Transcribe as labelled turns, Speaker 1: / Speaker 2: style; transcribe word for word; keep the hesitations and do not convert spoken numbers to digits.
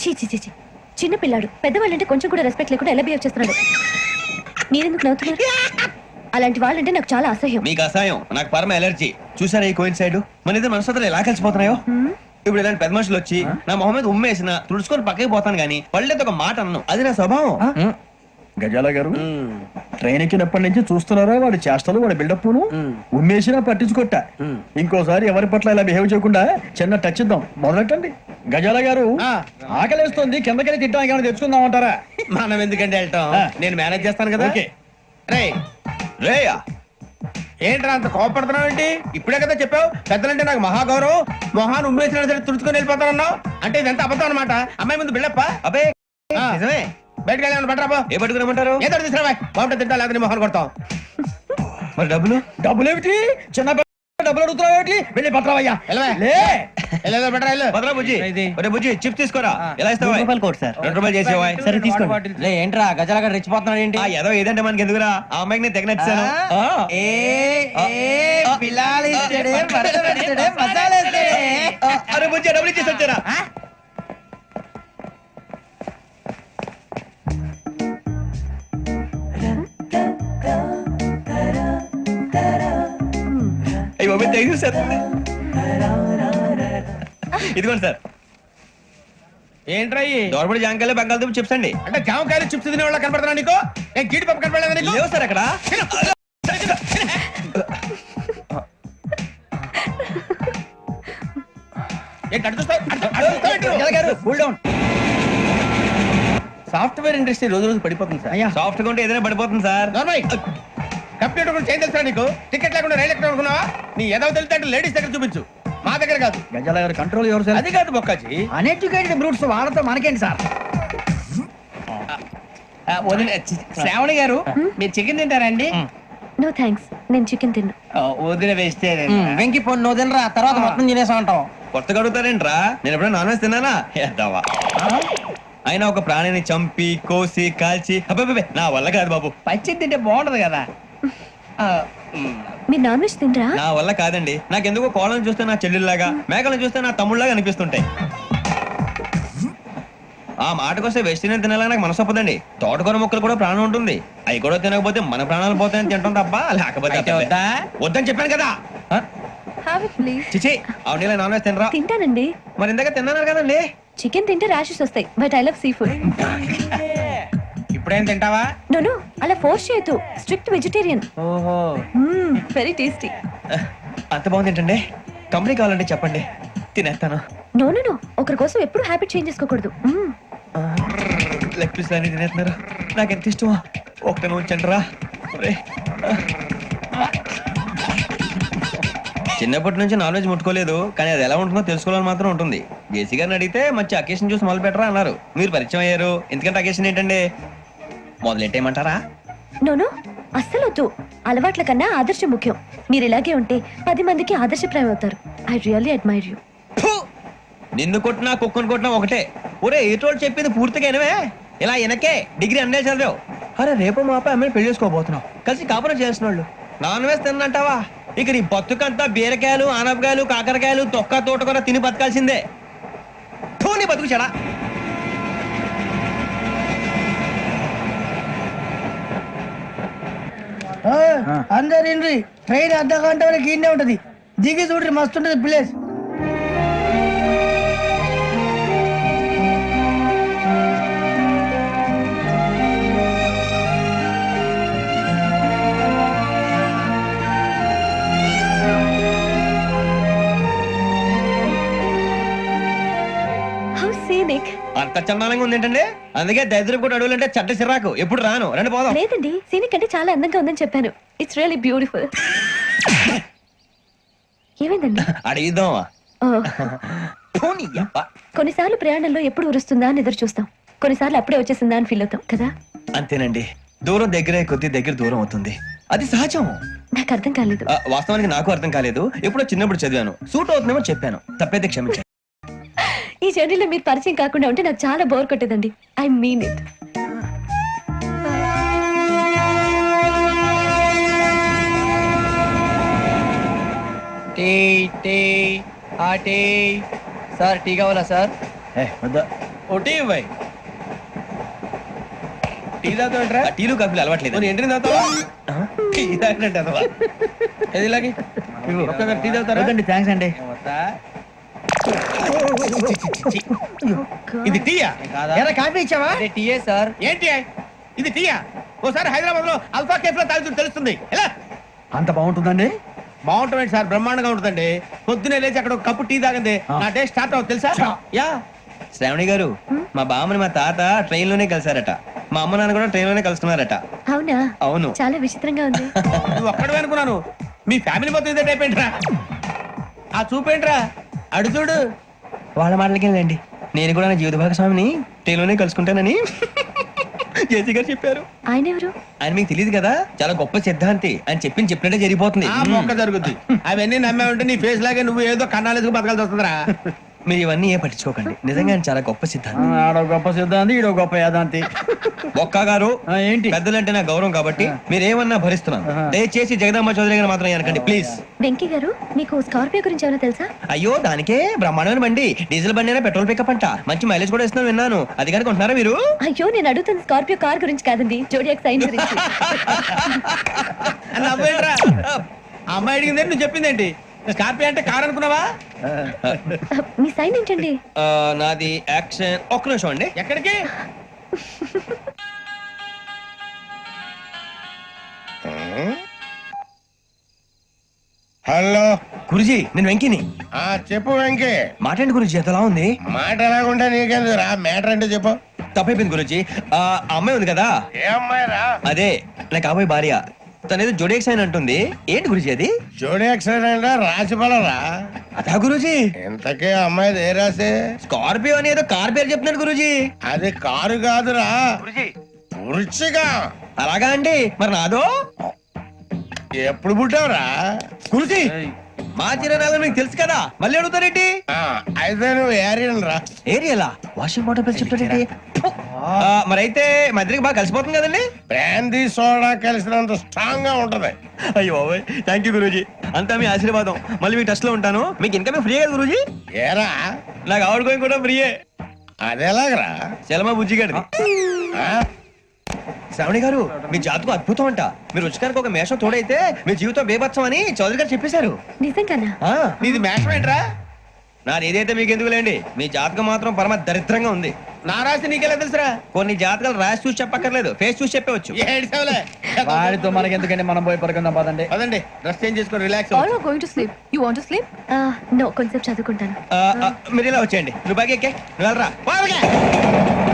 Speaker 1: చీ చీ చీ చీ. చిన్న పిల్లాడు పెద్దవాళ్ళంటే కొంచెం కూడా రెస్పెక్ట్ లేకుండా ఎలా బిహేవ్ చేస్తున్నాడు. మీరెందుకు నవ్వుతున్నారు? అలాంటి వాళ్ళంటే నాకు చాలా అసహ్యం.
Speaker 2: మీకు అసహ్యం, నాకు పరమ ఎలర్జీ. చూసారా ఈ కోయిన్ సైడ్ మన ఇద్దరు మనసుతో ఎలా కలిసిపోతున్నాయో. ఇప్పుడు ఇలాంటి పెద్ద మనుషులు వచ్చి నా మొహం మీద ఉమ్మేసిన తుడుచుకొని పక్కకి పోతాను గానీ పళ్ళేతో ఒక మాట అన్ను, అది నా స్వభావం.
Speaker 3: గజాల గారు ట్రైన్ ఎక్కినప్పటి నుంచి చూస్తున్నారా వాడి చేష్టలు, వాడి బిల్డప్ ఉమ్మేసినా పట్టించుకొట్టా. ఇంకోసారి ఎవరి పట్ల ఇలా బిహేవ్ చేయకుండా చిన్న టచ్ ఇద్దాం, మొదలెట్టండి. గజాల గారు ఆకలేస్తుంది, కిందకెళ్ళి తిట్టడానికి ఏమైనా తెచ్చుకుందాం అంటారా?
Speaker 2: మనం ఎందుకంటే వెళ్తాం, నేను మేనేజ్ చేస్తాను కదా.
Speaker 4: రే
Speaker 2: రేయా
Speaker 4: ఏంట్రా అంత కోపడుతున్నావు ఏంటి? ఇప్పుడే కదా చెప్పావు పెద్దలంటే నాకు మహాగౌరవం, మొహాన్ని ఉమ్మేసినా సరే తుడుచుకొని వెళ్ళిపోతానన్నావు. అంటే ఇదంతా అబద్ధం అనమాట. అమ్మాయి ముందు బిళ్ళప్ప.
Speaker 2: అబ్బే నిజమే.
Speaker 4: బయటకు వెళ్ళాను పట్టరాబో.
Speaker 2: ఏ పట్టుకురమ్మంటారు?
Speaker 4: ఏదో తీసుకురావా, బాగుంటే తింటా లేదా మొహాన్ని కొడతాం.
Speaker 2: మరి డబ్బులు
Speaker 3: డబ్బులు ఏమిటి? చిన్న డబ్బులు అడుగుతున్నావు ఏమిటి? వెళ్ళి పట్టరావయ్యా.
Speaker 2: భద్రా బుజ్జి, ఒరే బుజ్జి చిప్స్ తీసుకోరా. ఎలా ఇస్తావా? రెండు రూపాయలు చేసేవా?
Speaker 5: సరే తీసుకోండి. ఏంట్రా గజాల గారు రెచ్చిపోతున్నాడు ఏంటి?
Speaker 2: ఏదో ఏదంటే మనకి ఎందుకురా, ఆ అమ్మాయికి నేను తెగ నచ్చాను. అరే బుజ్జి డబ్బులు ఇచ్చేసి వచ్చారా? ఇదిగోండి సార్.
Speaker 4: ఏంట్రా
Speaker 2: దోరబడి జాంకాయలు బంగాళదుంప చిప్స్ అండి.
Speaker 4: అంటే జామకాయలు చిప్స్ తినే వాళ్ళ కనపడుతున్నా నీకు? నేను గీడి పప్పు కనపడలేదు నీకు?
Speaker 2: లేవు సార్ అక్కడ.
Speaker 4: సాఫ్ట్వేర్ ఇండస్ట్రీ రోజు రోజు పడిపోతుంది సార్.
Speaker 2: సాఫ్ట్ గా ఉంటే ఏదైనా పడిపోతుంది సార్.
Speaker 4: కంప్యూటర్ కూడా చేంజ్ తెలుసా నీకు? టికెట్ లేకుండా రైలు ఎక్కడ అనుకున్నావా? నీ ఏదో తెలితే లేడీస్ దగ్గర చూపించు, మా దగ్గర కాదు.
Speaker 3: గజాల గారు కంట్రోల్ ఎవరు సార్?
Speaker 4: అది కాదు బొక్కాజీ,
Speaker 3: అన్ఎడ్యుకేటెడ్ బ్రూట్స్ వాళ్ళతో మనకేంటి సార్?
Speaker 4: శ్రావణి గారు మీరు చికెన్ తింటారండి?
Speaker 1: నో థ్యాంక్స్, నేను చికెన్ తిన్నా.
Speaker 4: వదిన వేస్తే
Speaker 5: వెంకి పొన్ను నువ్వు తినరా, తర్వాత మొత్తం తినేసా ఉంటాం.
Speaker 2: కొత్తగా అడుగుతారేంట్రా, నేను ఎప్పుడైనా నాన్ వెజ్ తిన్నానా? ఎద్దావా. అయినా ఒక ప్రాణిని చంపి కోసి కాల్చి అబ్బే నా వల్ల కాదు బాబు.
Speaker 4: పచ్చి తింటే బాగుంటది కదా.
Speaker 1: మీరు నాన్ వెజ్ తినరా?
Speaker 2: నా వల్ల కాదండి. నాకెందుకో కోళ్ళని చూస్తే నా చెల్లెల్లాగా, మేకలను చూస్తే నా తమ్ముళ్ళలాగా అనిపిస్తుంటాయి. ఆ మాటకొస్తే వెస్టిరియన్ తినాలని నాకు మనసు ఒప్పదండి. తోటకూర మొక్కలు కూడా ప్రాణం ఉంటుంది, అవి కూడా తినకపోతే మన ప్రాణాలు పోతాయని తింటాం తప్ప లేకపోతే వద్దని చెప్పాను కదా.
Speaker 1: Have it please.
Speaker 2: చిచి అవునీ నాన్ వెజ్ తినరా?
Speaker 1: తింటానండి.
Speaker 2: మరి ఇందాక తిన్నాను కదండి.
Speaker 1: చికెన్ తింటే ర్యాషెస్ వస్తాయి, but I love sea food.
Speaker 4: ఇప్పుడేం తింటావా?
Speaker 1: నో నో, అలా ఫోర్స్ చేయొద్దు. Strict vegetarian.
Speaker 2: ఓహో,
Speaker 1: వెరీ టేస్టీ.
Speaker 2: అంత బాగుంది ఏంటండి? కంపెనీ కావాలంటే చెప్పండి, తినేస్తాను.
Speaker 1: నో నో నో, ఒకరి కోసం ఎప్పుడు హ్యాబిట్ చేంజ్ చేసుకోకూడదు.
Speaker 2: లెగ్ పీస్ అన్ని తినేస్తున్నారు, నాకు ఎంత ఇష్టమో. ఒకటే ఉంచండి రా. చిన్నప్పటి నుంచి నాన్ వెజ్ ముట్టుకోలేదు, కానీ అది ఎలా ఉంటుందో తెలుసుకోవాలని మాత్రం ఉంటుంది. జేసీ గారిని అడిగితే మంచి అకేషన్ చూసి మొదలు పెట్టరా అన్నారు. మీరు పరిచయం అయ్యారు, ఎందుకంటే అకేషన్ ఏంటండి? మొదలెట్టేయమంటారా?
Speaker 1: నో నో, అస్సలు వద్దు. అలవాట్ల కన్నా ఆదర్శం ముఖ్యం. మీరు ఇలాగే ఉంటే పది మందికి ఆదర్శప్రాయం అవుతారు. I really admire you.
Speaker 2: నిన్ను కొట్టినా కుక్కను కొట్టినా ఒకటే. ఒరే ఏటోళ్ళు చెప్పింది పూర్తిగా వినవే. ఇలా వెనకే డిగ్రీ అన్నే చదివావు. అరే రేపు మా అబ్బాయి అమ్మాయిని పెళ్లి చేసుకోబోతున్నావు, కలిసి కాపురం చేసిన వాళ్ళు. నాన్ వెజ్ తిన్నంటావా? ఇక నీ బతుకంతా బీరకాయలు, ఆనపకాయలు, కాకరకాయలు, తొక్క తోట కూడా తిని బతకాల్సిందే. నీ బతుకు చెడా.
Speaker 6: అందరు ట్రైన్ అర్ధ గంట వరకు ఇన్నే ఉంటది, దిగి చూడ్రి మస్తు ఉంటది ప్లేస్.
Speaker 2: అంత చందానంగా ఉంది ఏంటండి? అందుకే దరిద్రం కూడా అడవులంటే చెడ్డ చిరాకు. ఎప్పుడు రాను, రండి పోదాం.
Speaker 1: లేదండి, సీనిక్ అంటే చాలా అందంగా ఉందని చెప్పాను. It's really beautiful. ఏమైందండి?
Speaker 2: అడిగిద్దామా?
Speaker 1: కొన్నిసార్లు ప్రయాణంలో ఎప్పుడు ఉరుస్తుందా అని ఎదురు చూస్తాం, కొన్నిసార్లు అప్పుడే వచ్చేసిందా అని ఫీల్ అవుతాం కదా.
Speaker 2: అంతేనండి, దూరం దగ్గరే కొద్ది దగ్గర దూరం అవుతుంది, అది సహజం.
Speaker 1: నాకు అర్థం కాలేదు.
Speaker 2: వాస్తవానికి నాకు అర్థం కాలేదు. ఎప్పుడో చిన్నప్పుడు చదివాను, సూట్ అవుతుందేమో చెప్పాను, తప్పైతే క్షమించండి.
Speaker 1: ఈ జర్నీలో మీరు పరిచయం కాకుండా ఉంటే నాకు చాలా బోర్ కొట్టేదండి. I mean it.
Speaker 5: Tea tea ఆ టీ సార్, టీ కావాలా సార్?
Speaker 3: ఏ వద్దా
Speaker 4: ఒకటి ఇవ్వాయి టీ తాగుతాంట్రా
Speaker 2: ఆ టీలు కాఫీలు అలవాట్లేదు
Speaker 4: నేను ఎంట్రీ తాగుతావా టీ తాగినట్టు అదవా ఏది ఇలాగే ఒక్కొక్కరు టీ తాగుతారా
Speaker 3: వద్దండి థ్యాంక్స్ అండి
Speaker 4: ఇది టీయా
Speaker 6: ఎరా కాఫీ ఇచ్చావా
Speaker 5: టీఏ సార్.
Speaker 4: ఏంటి ఇది టీయా ఓసారి హైదరాబాద్ లో అల్ఫా కేఫ్ లో తాగుతూ తెలుస్తుంది ఎలా
Speaker 3: అంత బాగుంటుందండి
Speaker 4: బాగుంటుంది సార్ బ్రహ్మాండంగా ఉంటుందండి పొద్దునే లేచి అక్కడ ఒక కప్పు టీ తాగింది నా డే స్టార్ట్ అవుతుంది తెలుసా యా
Speaker 2: శ్రావణి గారు మా బామ్మని మా తాత ట్రైన్ లోనే కలిసారట మా అమ్మ నాన్న కూడా ట్రైన్ లోనే కలుసుకున్నారట
Speaker 1: అవునా
Speaker 2: అవును
Speaker 1: చాలా విచిత్రంగా ఉంది
Speaker 4: నువ్వు ఒక్కడే అనుకున్నాను మీ ఫ్యామిలీ మొత్తం ఇదే టైప్ ఏంట్రా ఆ చూపేంట్రా అడు చూడు
Speaker 2: వాళ్ళ మాటలకి వెళ్ళండి నేను కూడా నా జీవిత భాగస్వామిని ట్రైన్ లోనే కలుసుకుంటానని జేసీ గారు చెప్పారు.
Speaker 1: ఆయన ఎవరు?
Speaker 2: ఆయన మీకు తెలియదు కదా, చాలా గొప్ప సిద్ధాంతి అని చెప్పింది చెప్పినట్టే జరిగిపోతుంది.
Speaker 4: ఆ మొక్క జరుగుద్ది అవన్నీ నమ్మే ఉంటే నీ ఫేస్ లాగే నువ్వు ఏదో కన్నాలేసుకు బతకాల్సి వస్తుందిరా.
Speaker 2: మీరు ఇవన్నీ ఏ పట్టించుకోకండి, నిజంగా ఆయన చాలా గొప్ప సిద్ధాంతి.
Speaker 3: ఆడో గొప్ప సిద్ధాంతి ఈడో గొప్ప యాదాంతి.
Speaker 2: ఒక్క గారు
Speaker 3: ఆ, ఏంటి
Speaker 2: పెద్దలంటే నా గౌరవం కాబట్టి మీరు ఏమన్నా భరిస్తున్నాను. దయచేసి జగదాంబ చౌదరి గారు మాత్రం అనకండి ప్లీజ్.
Speaker 1: వెంకీ గారు మీకు స్కార్పియో గురించి ఏమైనా తెలుసా?
Speaker 2: అయ్యో దానికే బ్రహ్మాండమైన బండి, డీజిల్ బండి అయినా పెట్రోల్ పికప్ అంట, మంచి మైలేజ్ కూడా ఇస్తున్నాను విన్నాను. అది కనుక ఉంటున్నారా మీరు?
Speaker 1: అయ్యో నేను అడుగుతుంది స్కార్పియో కార్ గురించి కాదండి, జోడియాక్ సైన్ గురించి.
Speaker 4: అని నవ్వేంట్రా? ఆ అమ్మాయి అడిగింది నువ్వు చెప్పిందేంటి? స్కార్పియో అంటే కార్ అనుకున్నావా?
Speaker 1: మీ సైన్ ఏంటండి?
Speaker 2: ఆ, నాది యాక్షన్. ఒక్క నిమిషం అండి.
Speaker 4: ఎక్కడికి?
Speaker 7: హలో
Speaker 2: గురుజీ నేను వెంకిని.
Speaker 7: ఆ చెప్పు వెంకీ.
Speaker 2: మాట్లాడండి గురుజీ, ఎంతలా ఉంది?
Speaker 7: మాట ఎలాగుంటే నీకెందుకు రా, మ్యాటర్ అంటే చెప్పు.
Speaker 2: తప్పైపోయింది గురుజీ. ఆ అమ్మాయి ఉంది కదా,
Speaker 7: ఏ అమ్మాయి రా?
Speaker 2: అదే నా కాబోయే భార్య. తనేదో జోడేక్స్ అని అంటుంది. ఏంటి గురుజీ అది?
Speaker 7: జోడి యాక్సిడెంట్ రాసి రా.
Speaker 2: అదా గురుజీ?
Speaker 7: ఇంతకీ ఆ అమ్మాయి ఏ రాసి?
Speaker 2: స్కార్పియో అని ఏదో కార్ పేరు చెప్తున్నాడు గురుజీ.
Speaker 7: అది కారు కాదురా, వృచ్చిగా.
Speaker 2: అలాగా అండి, మరి నాదో?
Speaker 7: ఎప్పుడు పుట్టావురా?
Speaker 2: గురుజీ మా చిరనాలు మీకు తెలుసు కదా, మళ్ళీ అడుగుతారేంటి?
Speaker 7: ఆ, అయితే నువ్వు ఏరియన్ రా.
Speaker 2: ఏరియలా? వాషింగ్ వాటర్ పేరు చెప్తాడేంటి? ఆ, మరైతే మా ఇద్దరికి బాగా కలిసిపోతుంది కదండి.
Speaker 7: బ్రాందీ సోడా కలిసినంత స్ట్రాంగ్ గా ఉంటది.
Speaker 2: అయ్యో థ్యాంక్ యూ గురూజీ, అంతా మీ ఆశీర్వాదం. మళ్ళీ మీ టచ్ లో ఉంటాను. మీకు ఇంకా ఫ్రీ కదా గురూజీ?
Speaker 7: ఏరా
Speaker 2: నాకు ఆవిడ గోయింగ్ కూడా ఫ్రీయే.
Speaker 7: అదెలాగరా?
Speaker 2: చలమా బుజ్జి గారిది.
Speaker 7: ఆ?
Speaker 2: శ్రావణి గారు మీ జాతకు అద్భుతం అంట. మీరు రుచికారికి ఒక మేషం తోడైతే మీ జీవితం బేబత్సం అని చౌదరి గారు చెప్పేశారు.
Speaker 1: నిజంగానా?
Speaker 2: ఆ,
Speaker 4: నీది మేషం ఏంట్రా?
Speaker 2: నాది ఏదైతే మీకు ఎందుకు లేండి, మీ జాతకం మాత్రం పరమ దరిద్రంగా ఉంది.
Speaker 4: నా రాసి నీకెలా తెలుసురా?
Speaker 2: కొన్ని జాతకాలు రాసి చూసి చెప్పక్కర్లేదు, ఫేస్ చూసి చెప్పవచ్చు.
Speaker 4: ఏడ్చావులే.
Speaker 3: వాడితో మనకి ఎందుకండి, మనం పోయి పడుకుందాం పదండి.
Speaker 4: పదండి డ్రెస్ చేంజ్ చేసుకొని relax.
Speaker 8: All are going to sleep. You want to sleep?
Speaker 1: No, కొంచెం చదువుకుంటాను.
Speaker 2: ఆ, ఆ, మీరు ఇలా వచ్చేయండి. నువ్వు బాగా ఎక్కే, నువ్వు వెళ్ళరా.